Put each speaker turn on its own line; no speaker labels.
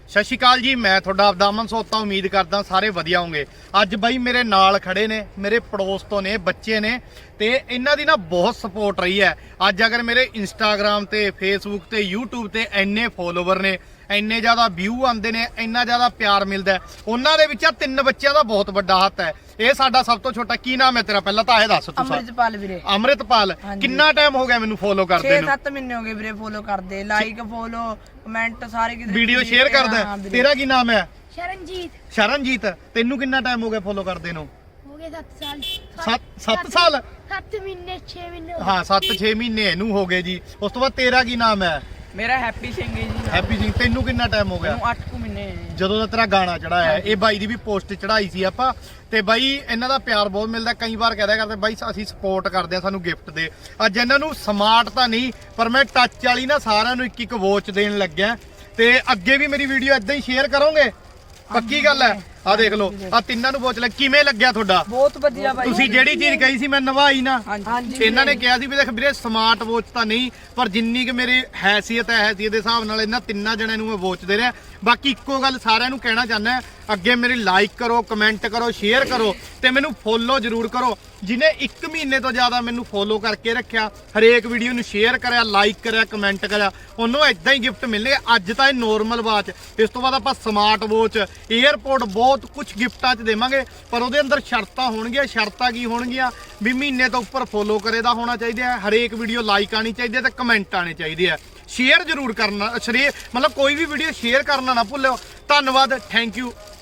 ਸਤਿ ਸ਼੍ਰੀ ਅਕਾਲ ਜੀ, ਮੈਂ ਤੁਹਾਡਾ ਆਪਦਾ ਅਮਨ ਸੋਤਾ। ਉਮੀਦ ਕਰਦਾ ਸਾਰੇ ਵਧੀਆ ਹੋਣਗੇ। ਅੱਜ ਬਾਈ ਮੇਰੇ ਨਾਲ ਖੜੇ ਨੇ, ਮੇਰੇ ਪੜੋਸ ਤੋਂ ਨੇ, ਬੱਚੇ ਨੇ ਤੇ ਇਹਨਾਂ ਦੀ ਨਾ ਬਹੁਤ ਸਪੋਰਟ ਰਹੀ ਹੈ। ਅੱਜ ਅਗਰ ਮੇਰੇ ਇੰਸਟਾਗ੍ਰਾਮ ਤੇ ਫੇਸਬੁੱਕ ਤੇ YouTube ਤੇ ਇੰਨੇ ਫੋਲੋਵਰ ਨੇ, ਇੰਨੇ ਜ਼ਿਆਦਾ ਵਿਊ ਆਉਂਦੇ ਨੇ, ਇੰਨਾ ਜ਼ਿਆਦਾ ਪਿਆਰ ਮਿਲਦਾ, ਉਹਨਾਂ ਦੇ ਵਿੱਚ ਆ 3 ਬੱਚਿਆਂ ਦਾ ਬਹੁਤ ਵੱਡਾ ਹੱਥ ਹੈ। ਇਹ ਸਾਡਾ ਸਭ ਤੋਂ ਛੋਟਾ। ਕੀ ਨਾਮ ਹੈ ਤੇਰਾ? ਪਹਿਲਾਂ ਤਾਂ ਇਹ ਦੱਸ ਤੂੰ।
ਅੰਮ੍ਰਿਤਪਾਲ ਵੀਰੇ।
ਅੰਮ੍ਰਿਤਪਾਲ। ਕਿੰਨਾ ਟਾਈਮ ਹੋ ਗਿਆ ਮੈਨੂੰ ਫੋਲੋ ਕਰਦੇ ਨੂੰ?
6-7 ਮਹੀਨੇ ਹੋ ਗਏ ਵੀਰੇ ਫੋਲੋ ਕਰਦੇ, ਲਾਈਕ ਫੋਲੋ ਕਮੈਂਟ ਸਾਰੇ ਕਿਤੇ
ਵੀਡੀਓ ਸ਼ੇਅਰ ਕਰਦਾ। ਤੇਰਾ ਕੀ ਨਾਮ ਹੈ?
ਸ਼ਰਨਜੀਤ।
ਸ਼ਰਨਜੀਤ। ਤੈਨੂੰ ਕਿੰਨਾ ਟਾਈਮ ਹੋ ਗਿਆ ਫੋਲੋ ਕਰਦੇ ਨੂੰ?
ਹੋ ਗਏ 7 ਸਾਲ।
7 ਸਾਲ?
7 ਮਹੀਨੇ 6 ਮਹੀਨੇ।
ਹਾਂ 7-6 ਮਹੀਨੇ ਇਹਨੂੰ ਹੋ ਗਏ ਜੀ। ਉਸ ਤੋਂ ਬਾਅਦ ਤੇਰਾ ਕੀ ਨਾਮ ਹੈ?
ਮੇਰਾ ਹੈਪੀ ਸਿੰਘ ਹੈ ਜੀ।
ਹੈਪੀ ਸਿੰਘ। ਤੈਨੂੰ ਕਿੰਨਾ ਟਾਈਮ ਹੋ ਗਿਆ?
8 ਮਹੀਨੇ।
ਜਦੋਂ ਦਾ ਤੇਰਾ ਗਾਣਾ ਚੜਾਇਆ, ਇਹ ਬਾਈ ਦੀ ਵੀ ਪੋਸਟ ਚੜਾਈ ਸੀ ਆਪਾਂ, ਤੇ ਬਾਈ ਇਹਨਾਂ ਦਾ ਪਿਆਰ ਬਹੁਤ ਮਿਲਦਾ। ਕਈ ਵਾਰ ਕਹਦਾ ਕਰਦੇ ਬਾਈ ਅਸੀਂ ਸਪੋਰਟ ਕਰਦੇ ਆ, ਸਾਨੂੰ ਗਿਫਟ ਦੇ। ਅੱਜ ਇਹਨਾਂ ਨੂੰ ਸਮਾਰਟ ਤਾਂ ਨਹੀਂ, ਪਰ ਮੈਂ ਟੱਚ ਵਾਲੀ ਨਾ ਸਾਰਿਆਂ ਨੂੰ ਇੱਕ ਵੋਚ ਦੇਣ ਲੱਗਿਆ। ਤੇ ਅੱਗੇ ਵੀ ਮੇਰੀ ਵੀਡੀਓ ਇਦਾਂ ਹੀ ਸ਼ੇਅਰ ਕਰੋਗੇ? ਪੱਕੀ ਗੱਲ ਹੈ। ਆ ਦੇਖ ਲਓ, ਆ ਤਿੰਨਾਂ ਨੂੰ ਵੋਚ ਲੱਗ। ਕਿਵੇਂ ਲੱਗਿਆ ਤੁਹਾਡਾ?
ਬਹੁਤ ਵਧੀਆ ਬਾਈ।
ਤੁਸੀਂ ਜਿਹੜੀ ਚੀਜ਼ ਕਹੀ ਸੀ ਮੈਂ ਨਿਭਾਈ ਨਾ।
ਹਾਂਜੀ।
ਇਹਨਾਂ ਨੇ ਕਿਹਾ ਸੀ ਵੀ ਦੇਖ ਵੀਰੇ ਸਮਾਰਟ ਵੋਚ ਤਾਂ ਨਹੀਂ, ਪਰ ਜਿੰਨੀ ਕਿ ਮੇਰੀ ਹੈਸੀਅਤ ਹੈ, ਹੈਸੀਅਤ ਦੇ ਹਿਸਾਬ ਨਾਲ ਇਹਨਾਂ ਤਿੰਨਾਂ ਜਣਿਆਂ ਨੂੰ ਮੈਂ ਵੋਚ ਦੇ ਰਿਹਾ। ਬਾਕੀ ਇੱਕੋ ਗੱਲ ਸਾਰਿਆਂ ਨੂੰ ਕਹਿਣਾ ਚਾਹੁੰਦਾ, ਅੱਗੇ ਮੇਰੀ ਲਾਈਕ ਕਰੋ, ਕਮੈਂਟ ਕਰੋ, ਸ਼ੇਅਰ ਕਰੋ ਤੇ ਮੈਨੂੰ ਫੋਲੋ ਜ਼ਰੂਰ ਕਰੋ। ਜਿਹਨੇ 1 ਮਹੀਨੇ ਤੋਂ ਜ਼ਿਆਦਾ ਮੈਨੂੰ ਫੋਲੋ ਕਰਕੇ ਰੱਖਿਆ, ਹਰੇਕ ਵੀਡੀਓ ਨੂੰ ਸ਼ੇਅਰ ਕਰਿਆ, ਲਾਈਕ ਕਰਿਆ, ਕਮੈਂਟ ਕਰਿਆ, ਉਹਨੂੰ ਇਦਾਂ ਹੀ ਗਿਫਟ ਮਿਲਣੇ। ਅੱਜ ਤਾਂ ਇਹ ਨੋਰਮਲ ਵਾਚ, ਇਸ ਤੋਂ ਬਾਅਦ ਆਪਾਂ ਸਮਾਰਟ ਵੋਚ, 에ਅਰਪੋਰਟ, ਬਹੁਤ ਕੁਝ ਗਿਫਟਾਂ 'ਚ ਦੇਵਾਂਗੇ। ਪਰ ਉਹਦੇ ਅੰਦਰ ਸ਼ਰਤਾਂ ਹੋਣਗੀਆਂ। ਸ਼ਰਤਾਂ ਕੀ ਹੋਣਗੀਆਂ? ਵੀ ਮਹੀਨੇ ਤੋਂ ਉੱਪਰ ਫੋਲੋ ਕਰੇ ਦਾ ਹੋਣਾ ਚਾਹੀਦਾ ਹੈ, ਹਰੇਕ ਵੀਡੀਓ ਲਾਈਕ ਆਣੀ ਚਾਹੀਦੀ ਹੈ ਤੇ ਕਮੈਂਟ ਆਣੇ ਚਾਹੀਦੇ ਆ। ਸ਼ੇਅਰ ਜ਼ਰੂਰ ਕਰਨਾ, ਮਤਲਬ ਕੋਈ ਵੀ ਵੀਡੀਓ ਸ਼ੇਅਰ ਕਰਨਾ ਨਾ ਭੁੱਲਿਓ। ਧੰਨਵਾਦ, ਥੈਂਕ ਯੂ।